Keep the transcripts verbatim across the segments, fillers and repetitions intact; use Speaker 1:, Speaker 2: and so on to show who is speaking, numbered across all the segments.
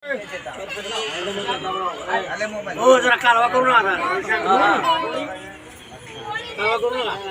Speaker 1: हो जरा कालवा करून आणा कालवा करून आणा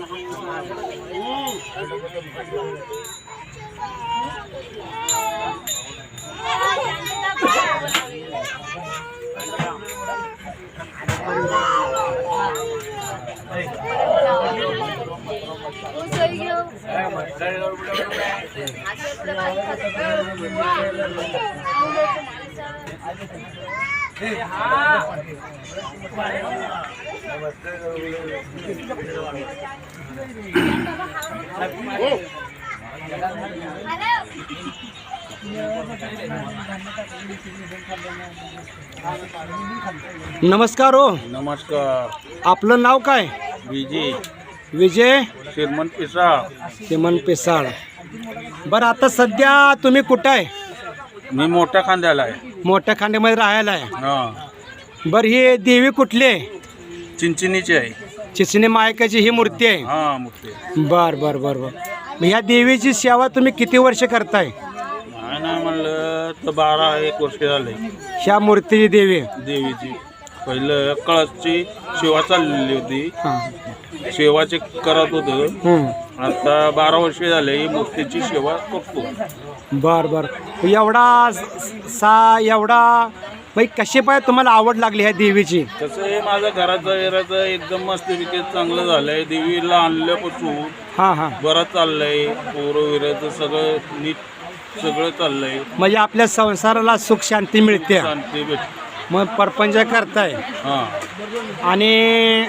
Speaker 2: नमस्कार हो.
Speaker 3: नमस्कार.
Speaker 2: आपलं नाव काय?
Speaker 3: विजय
Speaker 2: विजय
Speaker 3: श्रीमंत पिसाळ.
Speaker 2: श्रीमंत पिसाळ. बरं आता सध्या तुम्ही कुठं आहे?
Speaker 3: मी मोठ्या खांद्याला आहे.
Speaker 2: मोठ्या खांद्यामध्ये राहायला आहे.
Speaker 3: हा.
Speaker 2: बरं ही देवी कुठली आहे?
Speaker 3: चिंचणीची आहे.
Speaker 2: चिचणी मायकाची ही मूर्ती आहे.
Speaker 3: हा मूर्ती.
Speaker 2: बर बर बर बर. मग ह्या देवीची सेवा तुम्ही किती वर्ष करताय?
Speaker 3: नाही नाही म्हणलं तर बारा एक वर्ष झाले.
Speaker 2: ह्या मूर्तीची देवी
Speaker 3: देवीची पहिलं कळसची सेवा चाललेली होती.
Speaker 2: हां.
Speaker 3: सेवाचे करत होतो.
Speaker 2: हं.
Speaker 3: आता बारा वर्ष झाले ही मूर्तीची सेवा करतो.
Speaker 2: बर बर. एवढा सा एवढा बाई कशी पाय तुम्हाला आवड लागली ह्या देवीची?
Speaker 3: तसं हे माझं घराचं एराचं एकदम मस्तपैकी चांगलं झालंय. देवीला आणल्यापासून
Speaker 2: हां हां.
Speaker 3: बरं चाललंय. पोरं विराचं सगळं नीट सगळं चाललंय.
Speaker 2: म्हणजे आपल्या संसाराला सुख शांती मिळते.
Speaker 3: शांती भेट.
Speaker 2: मग परपंच करताय.
Speaker 3: हां.
Speaker 2: आणि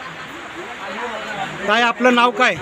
Speaker 2: काय आपलं नाव काय?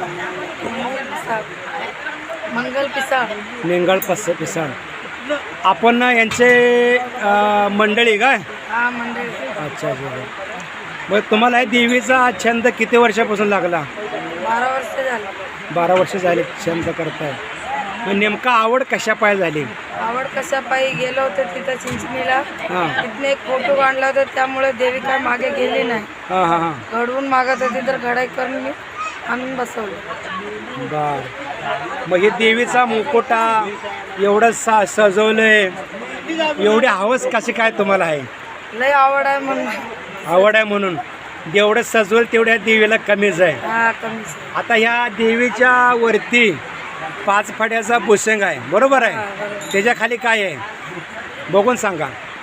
Speaker 4: मंगल पिसाळ.
Speaker 2: निंगळ पस पिसाळ. आपण यांचे अ, मंडळी काय?
Speaker 4: हा मंडळी.
Speaker 2: अच्छा अच्छा. मग तुम्हाला हे देवीचा छंद किती वर्षापासून लागला?
Speaker 4: बारा वर्ष झालं.
Speaker 2: बारा वर्ष झाले छंद करताय. मग नेमका आवड कशा पाय झाली?
Speaker 4: आवड कशा पायी गेलो होतो तिथं चिंचणीला.
Speaker 2: हां
Speaker 4: तिथनं एक फोटो काढला होता त्यामुळे देवी काय मागे गेली नाही.
Speaker 2: हां हां हां.
Speaker 4: घडवून मागत होती तर घडाई करून मी आणून बसवलं.
Speaker 2: बर. मग हे देवीचा मुकोटा एवढं सा सजवलंय, एवढी हवस कशी काय तुम्हाला आहे?
Speaker 4: लय आवड आहे म्हणून.
Speaker 2: आवड आहे म्हणून. जेवढं सजवल तेवढ्या देवीला कमीच आहे.
Speaker 4: हा कमीच.
Speaker 2: आता ह्या देवीच्या वरती पाच फड्याचा भुसंग आहे, बरोबर आहे? त्याच्या खाली काय आहे बघून सांगा.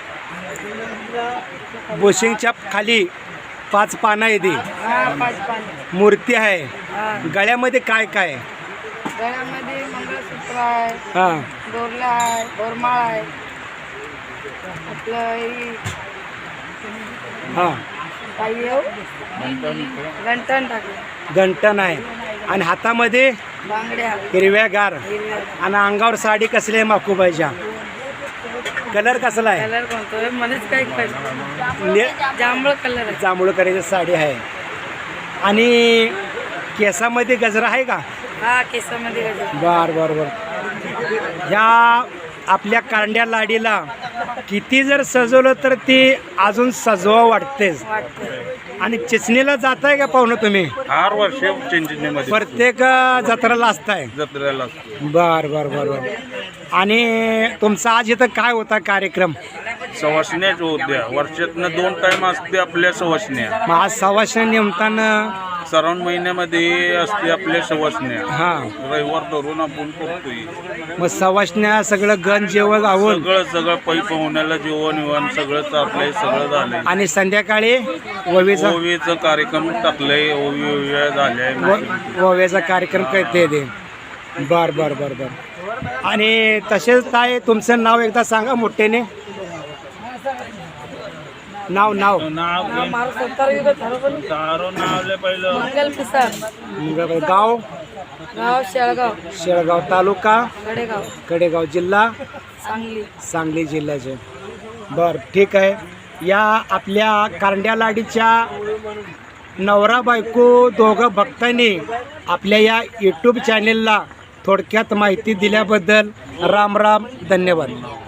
Speaker 2: भुसंगच्या खाली पाच पानं आहे. ती
Speaker 4: हा पाच पाणी.
Speaker 2: मूर्ती आहे.
Speaker 4: हा.
Speaker 2: गळ्यामध्ये काय काय आहे?
Speaker 4: गळ्यामध्ये मंगळसूत्र आहे.
Speaker 2: हां.
Speaker 4: दोरला आहे. दोरमाळ आहे. आपलं ही
Speaker 2: हां.
Speaker 4: काही येऊ गंठण टाकलं.
Speaker 2: गंटन आहे. आणि हातामध्ये
Speaker 4: बांगड्या
Speaker 2: हिरव्यागार.
Speaker 4: हिरव्या.
Speaker 2: आणि अंगावर साडी कसली आहे माकूबाईच्या? कलर कसला आहे?
Speaker 4: कलर कोणतो आहे मलाच काही कळलं.
Speaker 2: ने
Speaker 4: जांभळ कलर आहे.
Speaker 2: जांभूळ करायची साडी आहे. आणि केसामध्ये गजरा आहे का?
Speaker 4: हा केसामध्ये गजरा.
Speaker 2: बर बर बर. ह्या आपल्या कांड्या लाडीला किती जर सजवलं तर ती अजून सजवा वाटतेच.
Speaker 4: वाटतं.
Speaker 2: आणि चिचणीला जाताय का पाहुणं तुम्ही?
Speaker 3: आठ वर्ष चिंचणीमध्ये
Speaker 2: प्रत्येक जत्राला असताय?
Speaker 3: जत्रेला असतो.
Speaker 2: बर बर बर बर. आणि तुमचा आज इथं काय होता कार्यक्रम?
Speaker 3: सवासण्याच होत्या. वर्षातनं दोन टाइम असते आपल्या सवासण्या.
Speaker 2: मग आज सवासण्या निमतानं
Speaker 3: श्रावण महिन्यामध्ये असते आपल्या सवासण्या.
Speaker 2: हां.
Speaker 3: रविवार धरून आपण करतोय.
Speaker 2: मग सवासण्या सगळं गण जेवण गावून
Speaker 3: सगळं सगळं पै पाहुण्याला जेवण विवण सगळं चाललंय. सगळं झालंय.
Speaker 2: आणि संध्याकाळी ववीचा
Speaker 3: ओवीचा कार्यक्रम टाकलाय. ओवी ओव्या झाल्या.
Speaker 2: व- वव्याचा कार्यक्रम करते ते. बर बर बर बर. आणि तसेच काय तुमचं नाव एकदा सांगा मोठ्याने. नाव नाव
Speaker 3: नाव
Speaker 4: हा मारू सत्तर युग ठरवलं.
Speaker 3: तारो नावले पहिलं.
Speaker 4: मंगल पिसाळ.
Speaker 2: गाव
Speaker 4: गाव शेळगाव.
Speaker 2: शेळगाव तालुका
Speaker 4: कडेगाव.
Speaker 2: कडेगाव जिल्हा
Speaker 4: सांगली.
Speaker 2: सांगली जिल्ह्याचे. बर ठीक आहे. या आपल्या कारंड्या लाडीच्या नवरा बायको दोघं भक्तांनी आपल्या या यूट्यूब चॅनेलला थोडक्यात माहिती दिल्याबद्दल राम राम धन्यवाद.